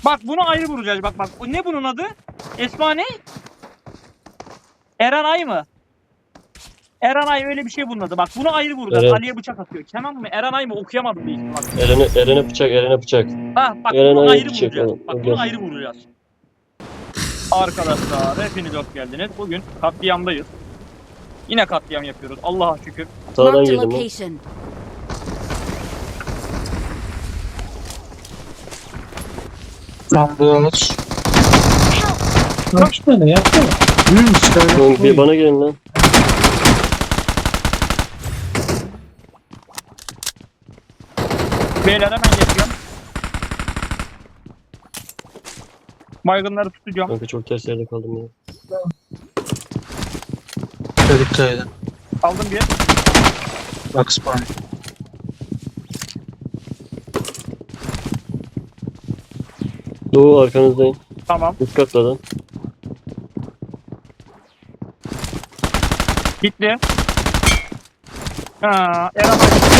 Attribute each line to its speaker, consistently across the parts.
Speaker 1: Bak bunu ayrı vuracağız. Bak. Ne bunun adı? Esma ne? Erenay mı? Erenay öyle bir şey bunun adı. Bak bunu ayrı vuracağız.
Speaker 2: Evet.
Speaker 1: Ali'ye bıçak atıyor. Kenan mı? Erenay mı? Okuyamadım bir isim bak.
Speaker 2: Eren'e bıçak, Eren'e bıçak.
Speaker 1: Bak bunu
Speaker 2: Eren'e
Speaker 1: ayrı
Speaker 2: bıçak
Speaker 1: vuracağız.
Speaker 2: oğlum.
Speaker 1: Bak
Speaker 2: Gel.
Speaker 1: bunu ayrı vuracağız. Arkadaşlar hepiniz hoş geldiniz. Bugün katliamdayız. Yine katliam yapıyoruz. Allah'a şükür.
Speaker 2: Sağdan
Speaker 3: Marked a
Speaker 2: girdim ben.
Speaker 3: location.
Speaker 4: Ambulans. Kaç tane yapsana.
Speaker 2: Oğlum, bir bana gelin lan.
Speaker 1: Beyler hemen geçiyorum. Baygınları tutacağım.
Speaker 2: Kanka çok ters yerde kaldım ya.
Speaker 4: Dikkat edin.
Speaker 1: Aldım bir.
Speaker 4: Bak spawn.
Speaker 2: Doğu arkanızdayım.
Speaker 1: Tamam.
Speaker 2: Üst katladan.
Speaker 1: Gitti. Eren.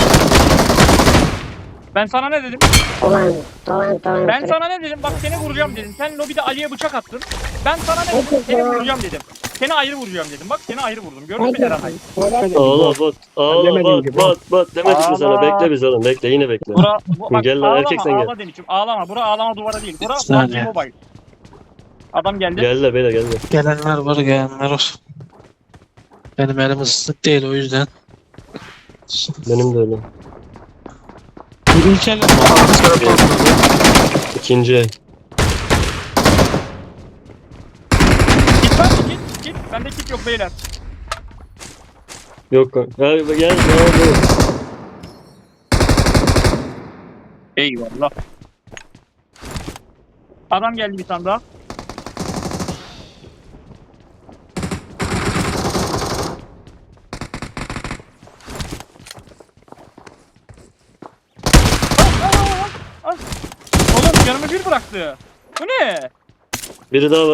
Speaker 1: Ben sana ne dedim?
Speaker 5: Tamam.
Speaker 1: Ben sana ne dedim? Bak seni vuracağım dedim. Sen lobide Ali'ye bıçak attın. Ben sana ne dedim? Seni vuracağım dedim. Seni ayrı vuracağım dedim. Bak seni ayrı vurdum. Gördün mü Erenay?
Speaker 2: Ağla bat. Ağla bat. Demedik mi sana?
Speaker 1: Ağla.
Speaker 2: Bekle biz oğlum. Bekle yine bekle.
Speaker 1: Bak
Speaker 2: Gel lan,
Speaker 1: ağlama,
Speaker 2: erkeksen gel.
Speaker 1: ağlama Deniç'im. Ağlama. Bura ağlama duvara değil. Bura
Speaker 4: Saniye.
Speaker 1: PUBG Mobile. Adam geldi.
Speaker 2: Gel beyler gel.
Speaker 4: Gelenler var, gelenler var. Benim elim ıslık değil o yüzden.
Speaker 2: Benim de öyle.
Speaker 4: İlk elim
Speaker 2: İkinci el.
Speaker 1: Kit var mı? Kit. Bende kit yok beyler.
Speaker 2: Yok kanka. Gel.
Speaker 1: Eyvallah. Adam geldi bir tane daha. Al. Oğlum canımı bir bıraktı. Bu ne?
Speaker 2: Biri daha var.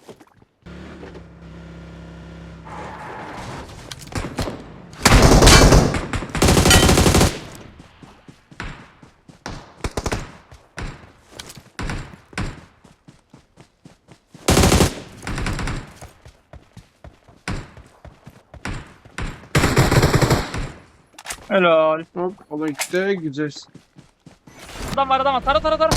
Speaker 1: Helal.
Speaker 6: Hop, o işte gideceğiz.
Speaker 1: Adam var. Tara.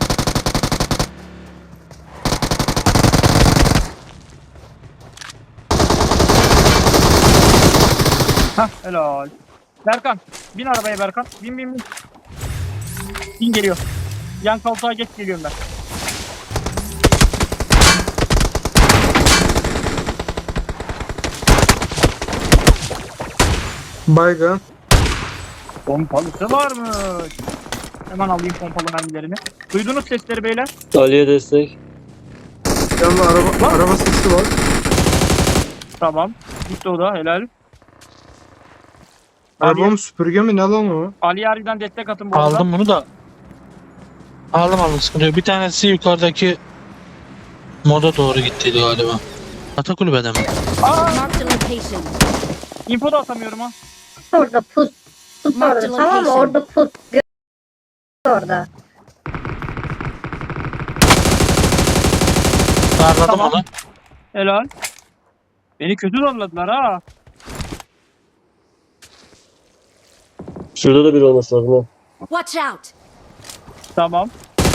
Speaker 1: Hah helal. Berkan. Bin arabaya Berkan. Bin. Bin geliyor. Yan koltuğa geç geliyorum ben.
Speaker 6: Baygın.
Speaker 1: Pompalısı varmış. Hemen alayım pompalı mermilerini. Duydunuz sesleri beyler.
Speaker 2: Ali'ye destek.
Speaker 6: Yanında araba sesi var.
Speaker 1: Tamam. Gitti o da helal.
Speaker 6: Araba mı süpürge mi ne lan o?
Speaker 1: Ali Yari'den destek atın bu arada.
Speaker 4: aldım bunu da. Aldım sıkıntı yok. Bir tanesi yukarıdaki moda doğru gittiydi galiba. Ata kulübede mi?
Speaker 3: Marked a location.
Speaker 1: Info da atamıyorum ha.
Speaker 5: Orada put. Tut
Speaker 3: Marked
Speaker 5: orada tamam mı?
Speaker 3: location.
Speaker 5: Orada put. Orada.
Speaker 4: Darladım
Speaker 1: Tamam.
Speaker 4: onu.
Speaker 1: Helal. Beni kötü zorladılar ha.
Speaker 2: Şurada da biri olması lazım ha.
Speaker 3: Watch out.
Speaker 1: Tamam.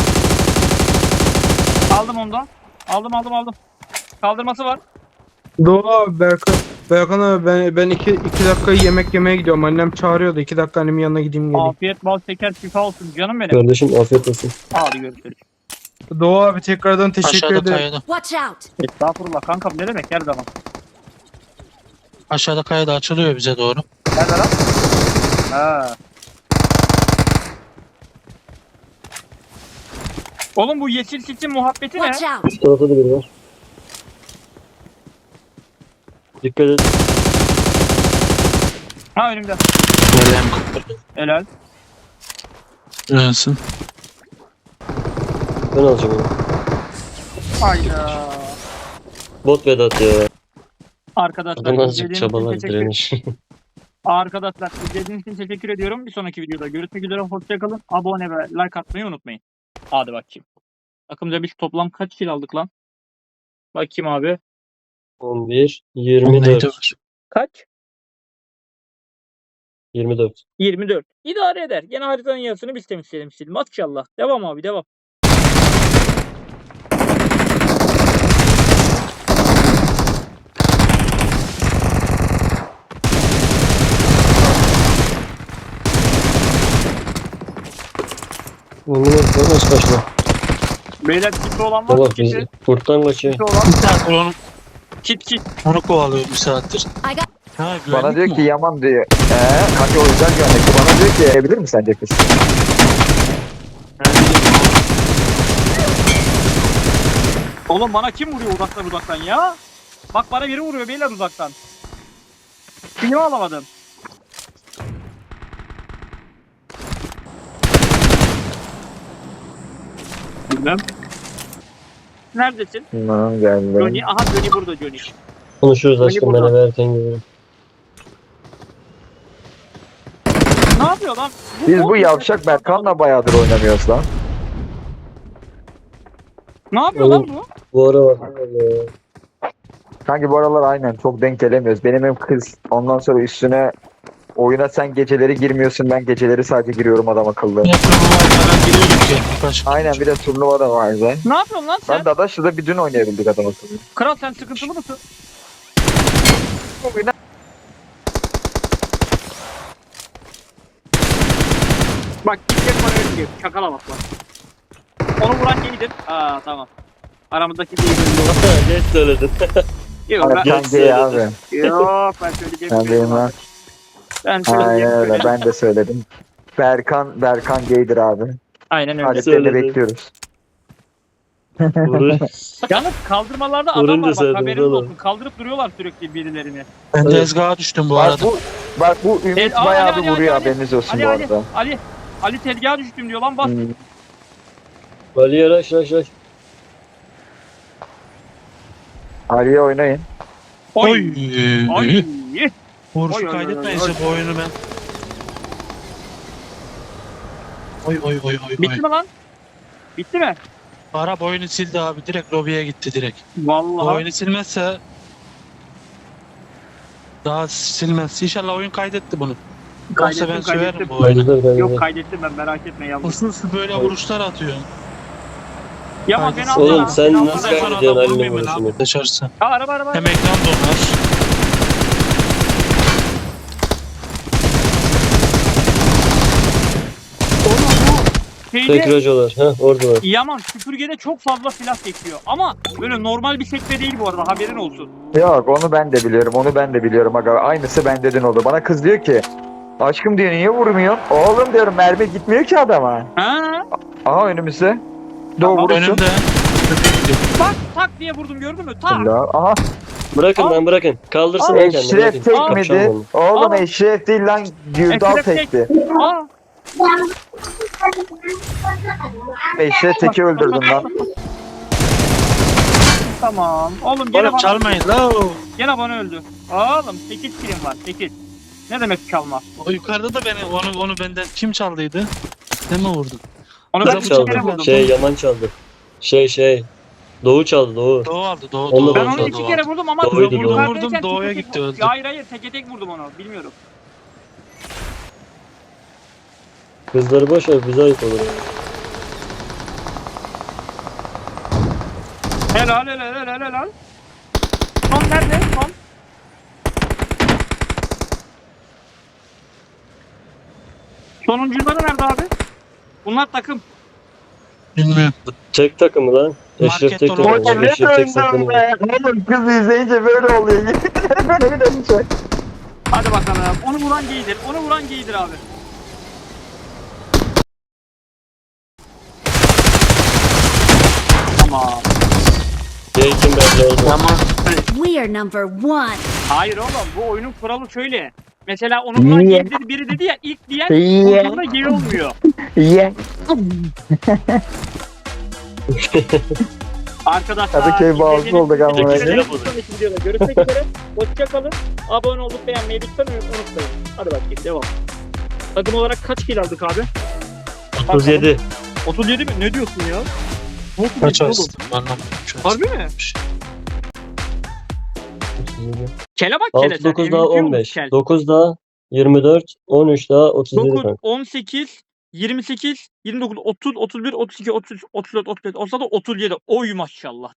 Speaker 1: Aldım ondan. Aldım. Kaldırması var.
Speaker 6: Doğu abi Berkan abi ben iki dakika yemek yemeye gidiyorum. Annem çağırıyordu. 2 dakika annemin yanına gideyim geleyim.
Speaker 1: Afiyet bal şeker şifa olsun canım benim.
Speaker 2: Kardeşim afiyet olsun.
Speaker 1: Hadi görüşürüz.
Speaker 6: Doğu abi tekrardan teşekkür
Speaker 4: Aşağıda
Speaker 6: ederim.
Speaker 4: kayada.
Speaker 3: Watch out.
Speaker 1: Estağfurullah kankam ne demek her zaman.
Speaker 4: Aşağıda kayada açılıyor bize doğru.
Speaker 1: Nerede lan? Ha. Oğlum bu yeşil sisin muhabbeti ne?
Speaker 3: Watch out.
Speaker 2: Üst tarafta da biri var. Dikkat et.
Speaker 1: Ha önümde.
Speaker 4: Nereden kapatın?
Speaker 1: Helal.
Speaker 4: Gelsin.
Speaker 2: Ben alacağım onu.
Speaker 1: Hayda.
Speaker 2: Bot Vedat ya.
Speaker 1: Arkadaşlar
Speaker 2: Adam azıcık
Speaker 1: izlediğiniz için
Speaker 2: çabalar
Speaker 1: teşekkür
Speaker 2: direniş.
Speaker 1: Arkadaşlar izlediğiniz için teşekkür ediyorum. Bir sonraki videoda görüşmek üzere. Hoşçakalın. Abone ve like atmayı unutmayın. Hadi bakayım. Takımca biz toplam kaç kill aldık lan? Bakayım abi.
Speaker 2: 11,
Speaker 4: Neydi
Speaker 2: 24.
Speaker 4: var?
Speaker 1: Kaç?
Speaker 2: 24.
Speaker 1: 24. İdare eder. Gene haritanın yarısını biz temizleyelim istedim. Maşallah. Devam abi devam.
Speaker 2: Bunu nasıl kaçma?
Speaker 1: Beyler kiti olan var
Speaker 2: Baba
Speaker 1: mı?
Speaker 2: biz
Speaker 1: Kiti
Speaker 2: kurttan kaçıyor.
Speaker 1: olan.
Speaker 4: Bir saattir onu,
Speaker 1: Kit.
Speaker 4: onu kovalıyor bir saattir.
Speaker 3: I got
Speaker 4: Ha,
Speaker 7: Bana
Speaker 4: güvenlik
Speaker 7: diyor
Speaker 4: mi
Speaker 7: ki
Speaker 4: o?
Speaker 7: Yaman diyor. Kanka o yüzden güvenlikli. Bana diyor ki evlenir mi sence kız?
Speaker 1: Oğlum bana kim vuruyor uzaktan ya? Bak bana biri vuruyor beyler uzaktan. Kimi alamadım? Bilmem. Neredesin?
Speaker 7: Tamam geldim.
Speaker 1: Johnny. Aha Johnny burada Johnny.
Speaker 2: Konuşuruz aşkım
Speaker 1: burada.
Speaker 2: ben eve erken geliyorum.
Speaker 1: Ne yapıyor lan?
Speaker 7: Biz bu yavşak Berkan'la bayağıdır oynamıyoruz lan.
Speaker 1: Ne yapıyor lan bu?
Speaker 2: Bu ara bak.
Speaker 7: Kanki bu aralar aynen çok denk gelemiyoruz. Benim hem kız ondan sonra üstüne oyuna sen geceleri girmiyorsun, ben geceleri sadece giriyorum adam akıllı.
Speaker 4: Yine turnuvaya giriyorduk ya birkaç gün
Speaker 7: Aynen
Speaker 4: önce.
Speaker 7: bir de turnuva da var zaten.
Speaker 1: Ne yapıyorsun lan sen?
Speaker 7: Ben Dadaş'la bir dün oynayabildik adam akıllı.
Speaker 1: Kral sen sıkıntılı mısın? Bak gidecek bana öyle diyor. Çakala bak lan. Onu vuran giydir. Aa tamam. Aramızdaki değil.
Speaker 2: Geç söyledin.
Speaker 1: Yok ben,
Speaker 7: Berkan gay abi.
Speaker 1: yok ben söyleyeceğim.
Speaker 7: Ben deyim lan.
Speaker 1: Ben söyleyeceğim.
Speaker 7: Aynen öyle
Speaker 1: böyle.
Speaker 7: ben de söyledim. Berkan gaydir abi.
Speaker 1: Aynen öyle.
Speaker 7: Adetlerini
Speaker 2: Söyledim.
Speaker 7: bekliyoruz.
Speaker 2: Vurur.
Speaker 1: Yalnız kaldırmalarda adam
Speaker 2: Vurunca
Speaker 1: var bak
Speaker 2: söylediniz
Speaker 1: haberiniz
Speaker 2: oğlum.
Speaker 1: olsun. Kaldırıp duruyorlar sürekli birilerini.
Speaker 4: Ben de
Speaker 2: Evet.
Speaker 4: ezgaha düştüm bu
Speaker 7: Bak
Speaker 4: arada.
Speaker 7: bu Ümit
Speaker 1: Ali,
Speaker 7: bayağı
Speaker 1: Ali,
Speaker 7: bir
Speaker 1: Ali,
Speaker 7: vuruyor
Speaker 1: Ali.
Speaker 7: haberiniz olsun
Speaker 1: Ali
Speaker 7: bu
Speaker 1: Ali
Speaker 7: arada.
Speaker 1: Ali tezgaha düştüm diyor lan bas.
Speaker 2: Ali yaraş yaraş.
Speaker 7: Ali'ye oynayın.
Speaker 1: Oy.
Speaker 4: Oy.
Speaker 1: Oy.
Speaker 4: Vuruşu
Speaker 1: Oy, oy,
Speaker 4: kaydetmeyin
Speaker 1: oy,
Speaker 4: size bu oyunu ben. Oy.
Speaker 1: Bitti mi lan? Bitti mi?
Speaker 4: Arap oyunu sildi abi. Direkt lobiye gitti direkt. Bu
Speaker 1: Vallahi.
Speaker 4: oyunu silmezse daha silmez. İnşallah oyun kaydetti bunu. Yoksa ben söverim bu oyunu.
Speaker 2: Kaydeder
Speaker 1: Yok
Speaker 2: kaydeder.
Speaker 1: kaydettim ben merak etme yavrum.
Speaker 4: Usulsüz böyle vuruşlar atıyor.
Speaker 1: Yaman beni
Speaker 4: Kaydetsin.
Speaker 1: alsana.
Speaker 2: Oğlum sen
Speaker 1: beni
Speaker 2: nasıl
Speaker 1: alsana.
Speaker 4: Sonra
Speaker 2: kaydediyorsun
Speaker 4: adam
Speaker 2: Ali'nin
Speaker 4: vurmayayım ben
Speaker 2: vuruşunu?
Speaker 4: abi dışarısı.
Speaker 1: Ha, araba.
Speaker 4: Hem ekran donar.
Speaker 1: Şeyde
Speaker 2: Tekrar ha oradalar.
Speaker 1: Yaman süpürgede çok fazla silah çekiyor. Ama böyle normal bir sekme değil bu arada haberin olsun.
Speaker 7: Yok onu ben de biliyorum aga. Aynısı bende dün oldu. Bana kız diyor ki aşkım diyor niye vurmuyorsun? Oğlum diyorum mermi gitmiyor ki adama.
Speaker 1: Ha?
Speaker 7: Aha önümüzde. Doğu
Speaker 1: Tamam,
Speaker 7: vurursun.
Speaker 4: Önümde.
Speaker 1: Tak tak diye vurdum gördün mü? Tak.
Speaker 7: Allah. Aha.
Speaker 2: Bırakın
Speaker 1: Al.
Speaker 2: lan bırakın. Kaldırsın lan kendini.
Speaker 7: Eşref
Speaker 2: bırakın.
Speaker 7: tekmedi.
Speaker 2: Kapşon
Speaker 7: Oğlum
Speaker 1: Al.
Speaker 7: Eşref değil lan Gürdal
Speaker 1: Eşref tek.
Speaker 7: tekti.
Speaker 1: Aa.
Speaker 7: Eşref teki öldürdün lan.
Speaker 1: Tamam. Oğlum gene
Speaker 4: Oğlum
Speaker 1: bana,
Speaker 4: çalmayın la.
Speaker 1: gene bana öldü. Oğlum 8 kilim var 8. Ne demek çalma?
Speaker 4: O yukarıda da beni onu benden kim çaldıydı? Sen mi vurdun?
Speaker 1: Onu
Speaker 2: Ben
Speaker 1: ben 2 kere
Speaker 2: çaldım.
Speaker 1: vurdum.
Speaker 2: Yaman çaldı. Doğu çaldı Doğu.
Speaker 4: Doğu aldı. Doğu.
Speaker 2: Onu
Speaker 1: Ben
Speaker 2: Doğu
Speaker 1: onu
Speaker 2: aldı,
Speaker 1: 2 kere vurdum ama
Speaker 2: Doğuydu,
Speaker 4: Doğu.
Speaker 1: yukarıdayken
Speaker 4: Vurdum, Doğu'ya
Speaker 1: teke tek
Speaker 4: gitti, öldü.
Speaker 1: Hayır teke vurdum onu bilmiyorum.
Speaker 2: Kızları boş ver bize ait olur.
Speaker 1: Helal. Son nerede? Son. Sonuncuları nerede abi? Bunlar takım.
Speaker 4: Bilmiyorum.
Speaker 2: Tek takımı lan. Eşref
Speaker 4: Market
Speaker 2: tek
Speaker 4: dolu.
Speaker 2: takımı.
Speaker 7: Oğlum ne
Speaker 2: Eşref tek
Speaker 7: döndüm
Speaker 2: takımı.
Speaker 7: be. Oğlum kız izleyince böyle oluyor. Böyle bir dönüşü.
Speaker 1: Hadi bakalım. Onu vuran giydir abi. Tamam.
Speaker 2: Kim belli oldu.
Speaker 3: We are number one.
Speaker 1: Hayır oğlum bu oyunun kuralı şöyle. Mesela onu vuran
Speaker 7: Niye?
Speaker 1: giydir biri dedi ya ilk diyen
Speaker 7: Niye?
Speaker 1: ucunda geri olmuyor.
Speaker 7: Ye.
Speaker 1: Arkadaşlar.
Speaker 7: Kadıköy bağımsız olduk ama.
Speaker 1: Görüşmek üzere. Hoşçakalın. Abone olup beğenmeyi lütfen unutmayın. Hadi bakayım devam. Takım olarak kaç kill aldık abi?
Speaker 2: 37.
Speaker 1: 37 mi? Ne diyorsun ya? Nasıl
Speaker 4: Kaç
Speaker 1: oğlum?
Speaker 4: astım anlamadım. Şu an.
Speaker 1: Harbi mi? Kele bak kele
Speaker 2: 6
Speaker 1: sen.
Speaker 2: 9 daha
Speaker 1: MVP olmuş
Speaker 2: 15.
Speaker 1: kel.
Speaker 2: 9 daha 24. 13 daha 37
Speaker 1: 9,
Speaker 2: kanka.
Speaker 1: 18, 28, 29, 30, 31, 32, 33, 34, 35. Olsa da 37. Oy maşallah.